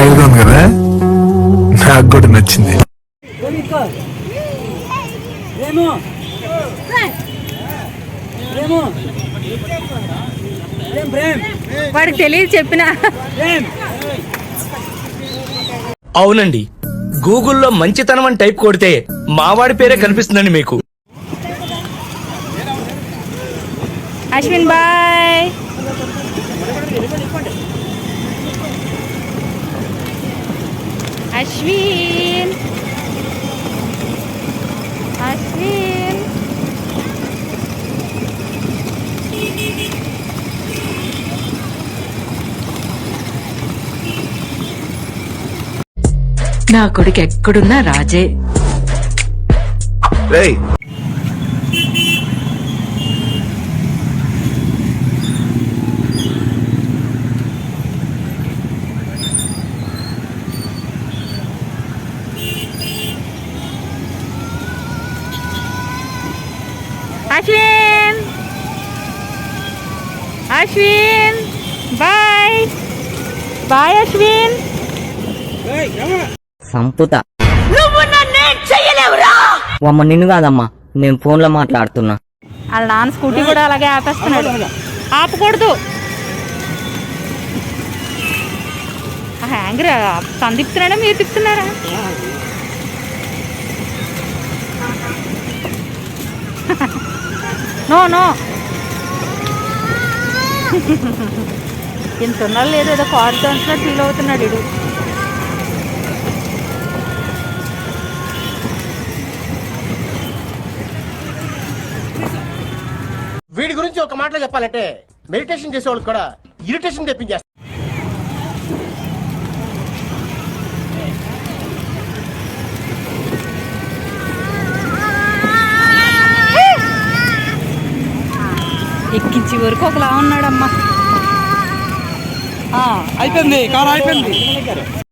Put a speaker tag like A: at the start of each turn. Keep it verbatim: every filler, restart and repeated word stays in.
A: Style గా ఉంది కదా, నాకు కూడా నచ్చింది.
B: వాడికి తెలియదు చెప్పిన.
C: అవునండి, గూగుల్లో మంచితనం అని టైప్ కొడితే మావాడి పేరే కనిపిస్తుందండి మీకు.
B: అశ్విన్ బాయ్. అశ్విన్ అశ్విన్
D: నా కొడుకు ఎక్కడున్నా రాజే.
B: Ashwin Ashwin bye bye Ashwin.
E: సంపుత అమ్మ నిన్ను కాదమ్మా, నేను ఫోన్ లో మాట్లాడుతున్నా.
B: వాళ్ళ నాన్న స్కూటీ కూడా అలాగే ఆపేస్తున్నాడు. ఆపకూడదు. హ్యాంగర్ తను తిప్పుతున్నాడా మీరు తిప్పుతున్నారా? నో నో ఇంత ఉన్నాడు లేదు, ఏదో కారు తోసినట్టు ఫీల్ అవుతున్నాడు ఇడు.
F: వీడి గురించి ఒక మాటలో చెప్పాలంటే మెడిటేషన్ చేసేవాళ్ళు కూడా ఇరిటేషన్ తెప్పించేస్తారు.
B: ఎక్కించి వరకు ఒకలా ఉన్నాడమ్మా.
C: అయిపోయింది, కాలం అయిపోయింది.